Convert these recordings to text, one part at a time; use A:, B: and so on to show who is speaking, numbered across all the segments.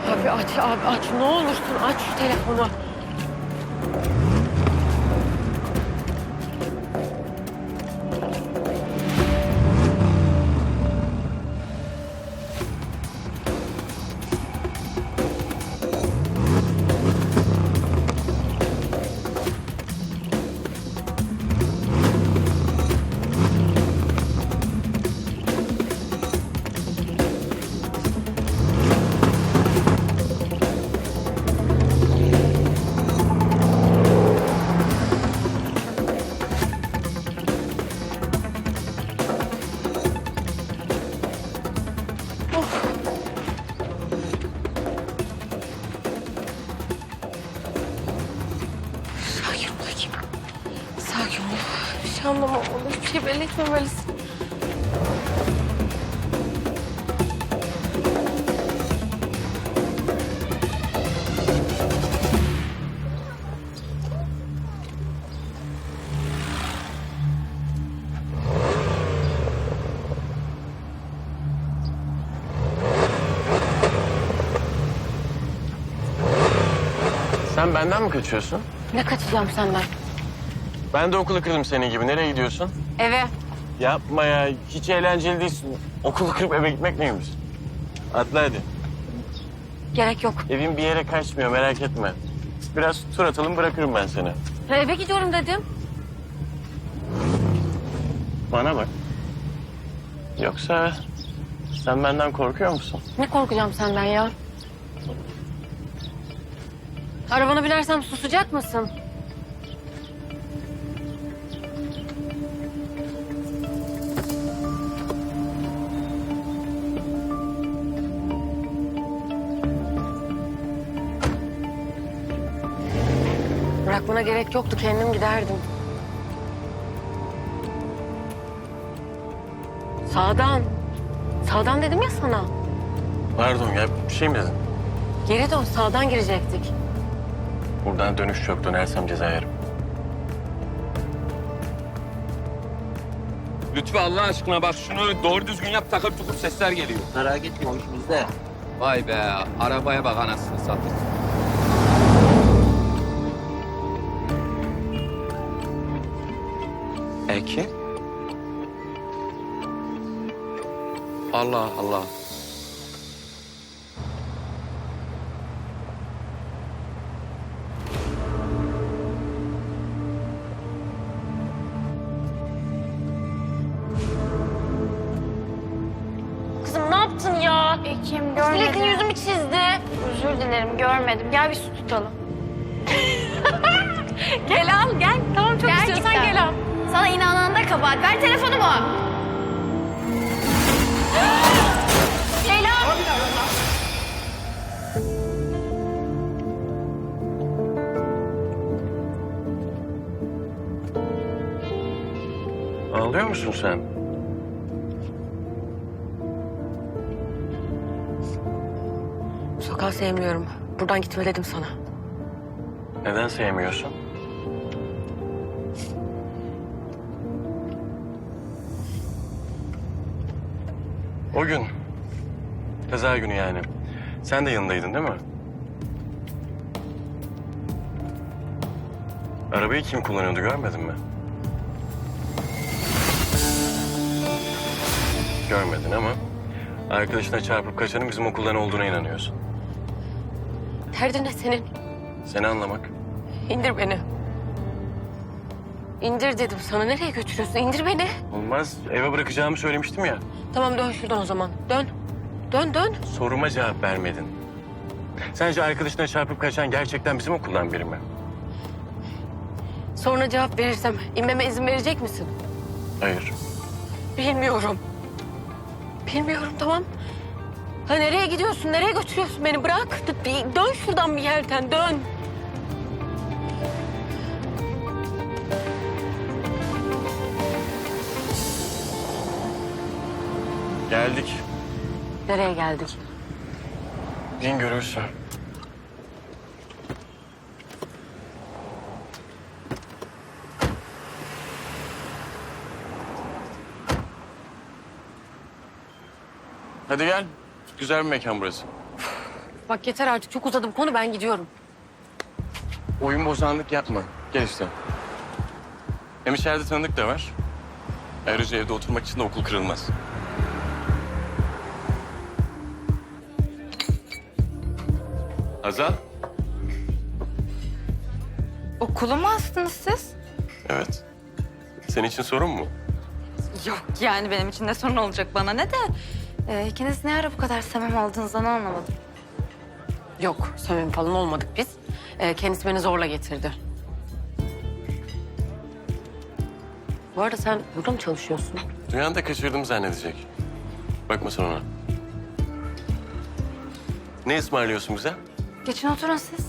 A: Abi aç, abi aç. Ne olursun aç şu telefonu. Sakin ol Hakim. Sakin ol. Bir şey anlamamalı. Hiçbir şey belli etmemelisin.
B: Sen benden mi kaçıyorsun?
A: Ne kaçacağım senden?
B: Ben de okulu kırdım senin gibi. Nereye gidiyorsun?
A: Eve.
B: Yapma ya. Hiç eğlenceli değilsin. Okulu kırıp eve gitmek neymiş? Atla hadi.
A: Gerek yok.
B: Evin bir yere kaçmıyor, merak etme. Biraz tur atalım, bırakırım ben seni.
A: Ya eve gidiyorum dedim.
B: Bana bak. Yoksa sen benden korkuyor musun?
A: Ne korkacağım senden ya? Arabana binersem susacak mısın? Bırakmana gerek yoktu. Kendim giderdim. Sağdan. Sağdan dedim ya sana.
B: Pardon ya, bir şey mi dedin?
A: Geri dön. Sağdan girecektik.
B: Buradan dönüş yok, dönersem ceza yerim.
C: Lütfü Allah aşkına bak şunu doğru düzgün yap, takır tukur sesler geliyor.
D: Merak etme o iş bizde.
C: Vay be, arabaya bak anasını satayım. Ekin? Allah Allah.
A: Kızım ne yaptın ya?
E: Ekim görmedim.
A: Sürekli yüzümü çizdi.
E: Özür dilerim görmedim. Gel bir su tutalım.
A: Gel al gel. Tamam çok
E: Gerçekten.
A: istiyorsan gel al.
E: Sana inanan da kabahat. Ver telefonumu. Leyla.
B: Ağlıyor musun sen?
A: Sokağı sevmiyorum. Buradan gitme dedim sana.
B: Neden sevmiyorsun? O gün, kaza günü yani. Sen de yanındaydın değil mi? Arabayı kim kullanıyordu görmedin mi? Görmedin ama arkadaşına çarpıp kaçanın bizim okuldan olduğuna inanıyorsun.
A: Derdin ne senin?
B: Seni anlamak.
A: İndir beni. İndir dedim sana. Nereye götürüyorsun? İndir beni.
B: Olmaz. Eve bırakacağımı söylemiştim ya.
A: Tamam dön şuradan o zaman. Dön. Dön dön.
B: Soruma cevap vermedin. Sence arkadaşına çarpıp kaçan gerçekten bizim okuldan biri mi?
A: Sonra cevap verirsem inmeme izin verecek misin?
B: Hayır.
A: Bilmiyorum. Bilmiyorum tamam. Ha nereye gidiyorsun? Nereye götürüyorsun beni? Bırak. Dön şuradan bir yerden dön.
B: Geldik.
A: Nereye geldik?
B: Din görürsün. Hadi gel. Güzel bir mekan burası.
A: Bak yeter artık, çok uzadı bu konu, ben gidiyorum.
B: Oyun bozanlık yapma. Gel işte. Hem içeride tanıdık da var. Ayrıca evde oturmak için de okul kırılmaz. Hazal?
D: Okulu mu astınız siz?
B: Evet. Senin için sorun mu?
D: Yok yani benim için de sorun olacak bana ne de. İkiniz ne ara bu kadar samimi olduğunuzdan anlamadım.
A: Yok, samimi falan olmadık biz. Kendisi beni zorla getirdi. Bu arada sen burada mı çalışıyorsun?
B: Duyan da kaçırdım zannedecek. Bakma sen ona. Ne ısmarlıyorsun bize?
D: Geçin oturun siz.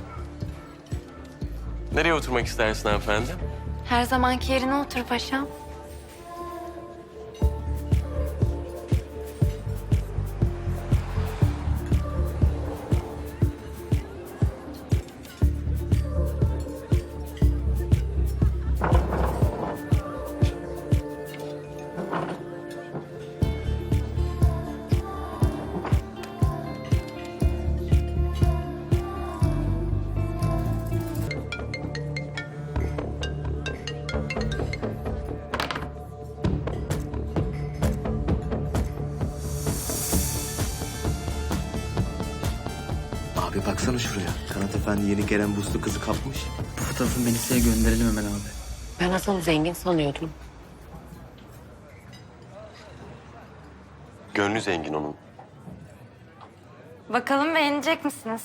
B: Nereye oturmak istersin hanımefendi?
D: Her zamanki yerine otur paşam.
F: Abi baksana şuraya. Kanat Efendi yeni gelen buslu kızı kapmış.
G: Bu fotoğrafı Melisa'ya gönderelim hemen abi.
A: Ben Hasan'ı zengin sanıyordum.
B: Gönlü zengin onun.
D: Bakalım beğenecek misiniz?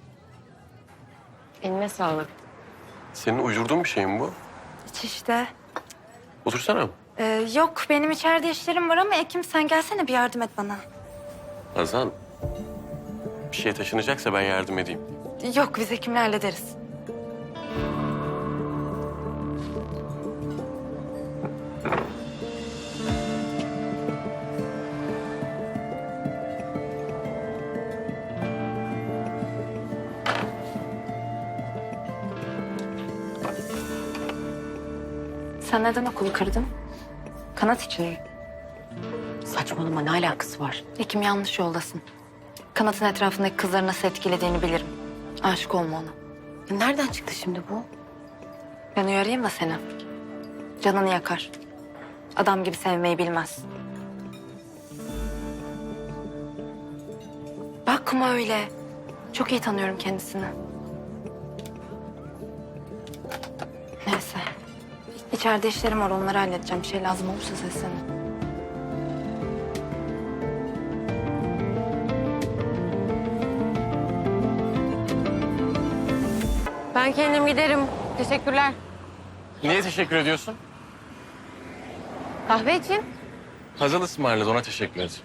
A: Eline sağlık.
B: Senin uydurduğun bir şey mi bu?
D: Hiç işte.
B: Otursana.
D: Yok benim içeride işlerim var ama Ekim sen gelsene bir yardım et bana.
B: Hazal. Bir şey taşınacaksa ben yardım edeyim.
D: Yok biz Ekim'le hallederiz. Sen neden okulu kırdın? Kanat için mi?
A: Saçmalama, ne alakası var?
D: Ekim yanlış yoldasın. Kanat'ın etrafındaki kızları nasıl etkilediğini bilirim. Aşık olma ona.
A: Nereden çıktı şimdi bu?
D: Ben uyarayım da seni. Canını yakar. Adam gibi sevmeyi bilmez. Bakma öyle. Çok iyi tanıyorum kendisini. Neyse. İçeride işlerim var, onları halledeceğim. Bir şey lazım olursa seslenin.
A: Ben kendim giderim. Teşekkürler.
B: Niye teşekkür ediyorsun?
A: Kahve için?
B: Hazal ısmarladı, ona teşekkür et.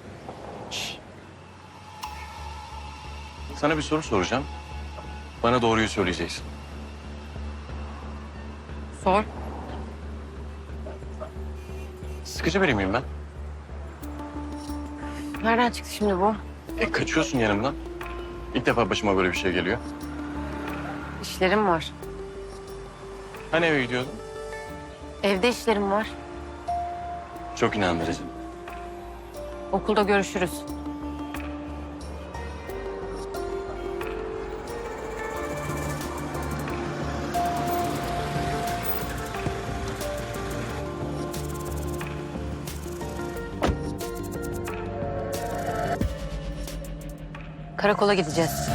B: Sana bir soru soracağım. Bana doğruyu söyleyeceksin.
A: Sor.
B: Sıkıcı biri miyim ben?
A: Nereden çıktı şimdi bu?
B: Kaçıyorsun yanımdan. İlk defa başıma böyle bir şey geliyor.
A: İşlerim var.
B: Hani eve gidiyordun?
A: Evde işlerim var.
B: Çok inandırıcı.
A: Okulda görüşürüz. Karakola gideceğiz.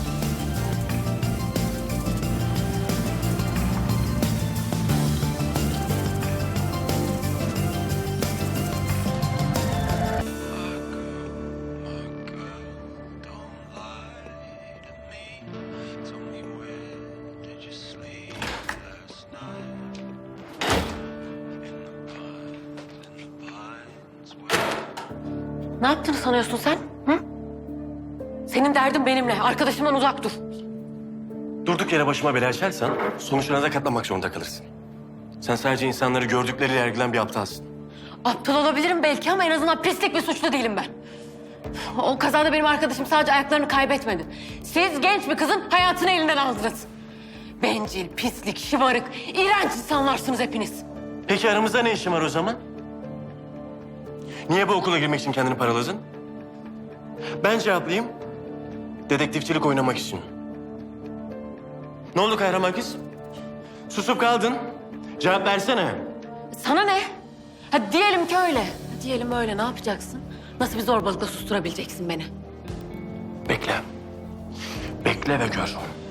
A: Ne yaptığını sanıyorsun sen? Hı? Senin derdin benimle. Arkadaşımdan uzak dur.
B: Durduk yere başıma bela açarsan sonuçlarına da katlanmak zorunda kalırsın. Sen sadece insanları gördükleriyle yargılayan bir aptalsın.
A: Aptal olabilirim belki ama en azından pislik bir suçlu değilim ben. O kazada benim arkadaşım sadece ayaklarını kaybetmedi. Siz genç bir kızın hayatını elinden aldınız. Bencil, pislik, şımarık, iğrenç insanlarsınız hepiniz.
B: Peki aramızda ne işin var o zaman? Niye bu okula girmek için kendini paraladın? Ben cevaplayayım.
H: Dedektifçilik oynamak için. Ne oldu kahraman kız? Susup kaldın. Cevap versene.
A: Sana ne? Ha diyelim ki öyle. Diyelim öyle, ne yapacaksın? Nasıl bir zorbalıkla susturabileceksin beni?
H: Bekle. Bekle ve gör.